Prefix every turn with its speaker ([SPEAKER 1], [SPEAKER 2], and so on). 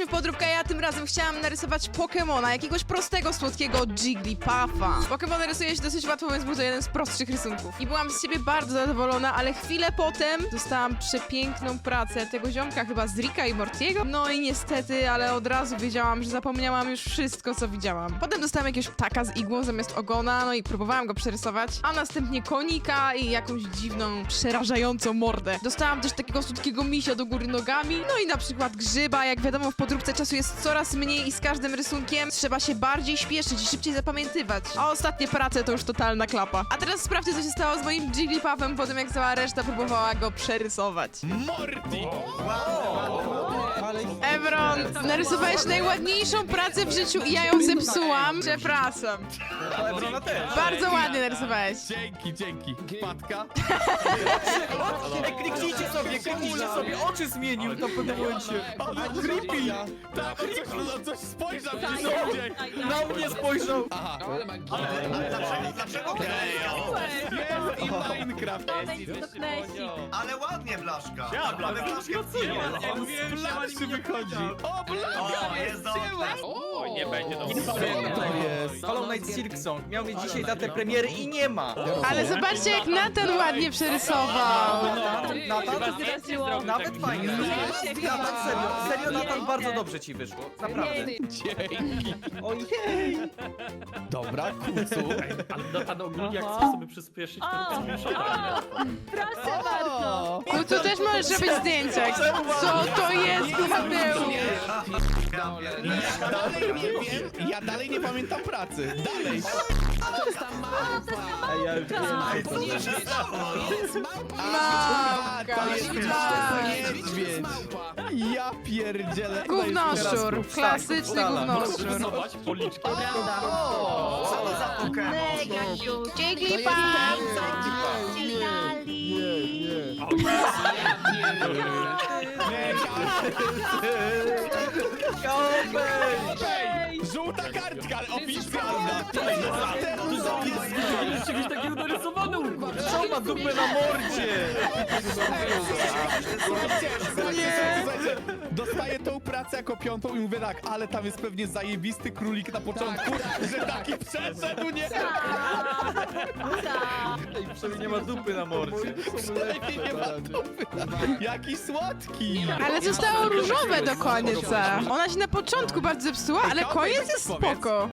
[SPEAKER 1] Jesteśmy w podróbkę, ja tym razem chciałam narysować Pokemona, jakiegoś prostego, słodkiego Jigglypuffa. Pokemony rysuje się dosyć łatwo, więc był to jeden z prostszych rysunków. I byłam z siebie bardzo zadowolona, ale chwilę potem dostałam przepiękną pracę tego ziomka, chyba z Ricka i Mortiego. No i niestety, ale od razu wiedziałam, że zapomniałam już wszystko, co widziałam. Potem dostałam jakiegoś ptaka z igłą zamiast ogona, no i próbowałam go przerysować, a następnie konika i jakąś dziwną, przerażającą mordę. Dostałam też takiego słodkiego misia do góry nogami, no i na przykład grzyba. Jak wiadomo, w podróbce czasu jest coraz mniej i z każdym rysunkiem trzeba się bardziej śpieszyć i szybciej zapamiętywać. A ostatnie prace to już totalna klapa. A teraz sprawdźcie, co się stało z moim Jigglypuffem po tym, jak cała reszta próbowała go przerysować.
[SPEAKER 2] Morty!
[SPEAKER 1] Evron, narysowałeś najładniejszą pracę w życiu i ja ją zepsułam. Przepraszam.
[SPEAKER 3] Ebrona też.
[SPEAKER 1] Bardzo ładnie narysowałeś.
[SPEAKER 2] Dzięki. Wpadka?
[SPEAKER 3] Ej, kliknijcie sobie, oczy zmienił to w pewnym momencie.
[SPEAKER 2] Ale creepy! Tak, coś spojrzał gdzieś ludzie!
[SPEAKER 3] Na mnie spojrzał.
[SPEAKER 2] Aha.
[SPEAKER 4] Dlaczego?
[SPEAKER 2] Jest i Minecraft!
[SPEAKER 4] Ale ładnie, Blaszka. Ale Blaszka
[SPEAKER 2] Blaszczy wychodzi! O, Blaszka!
[SPEAKER 4] jest dobrze.
[SPEAKER 5] O, nie będzie dobrze.
[SPEAKER 2] To jest!
[SPEAKER 3] Hollow Knight Silk Song miał mieć dzisiaj datę premiery i nie ma.
[SPEAKER 1] Ale zobaczcie, jak Nathan ładnie przerysował.
[SPEAKER 3] Nathan, nawet fajnie. Nathan, serio Nathan, bardzo dobrze ci wyszło. Naprawdę.
[SPEAKER 2] Dzięki!
[SPEAKER 3] Ojej.
[SPEAKER 2] Dobra, kucu.
[SPEAKER 5] Ale do pan ogólnie jak chce sobie przyspieszyć, to screenshota.
[SPEAKER 6] Proszę bardzo!
[SPEAKER 1] Kucu, też możesz robić zdjęcia. Co to jest, Mateusz?
[SPEAKER 2] Ja dalej nie pamiętam pracy. Dalej! A, to jest niedźwiedź! Ja pierdzielę!
[SPEAKER 1] Gównoszczur, klasyczny gównoszczur.
[SPEAKER 5] Zobacz, policzki.
[SPEAKER 4] Co to za Pokémon?
[SPEAKER 6] Mega cute!
[SPEAKER 1] Jigglypuff!
[SPEAKER 2] Ej, żółta kartka oficjalna!
[SPEAKER 5] Czegoś takiego narysowane u góry.
[SPEAKER 3] Co ma dupę na mordzie?
[SPEAKER 2] Słuchajcie, dostaję tą pracę jako piątą i mówię tak, ale tam jest pewnie zajebisty królik na początku, że taki przeszedł, nie?
[SPEAKER 3] Ej, przynajmniej nie ma dupy na mordzie.
[SPEAKER 2] Przynajmniej nie ma dupy. Jaki słodki!
[SPEAKER 1] Ale zostało różowe do końca. Ona się na początku bardzo zepsuła, ale koniec jest spoko.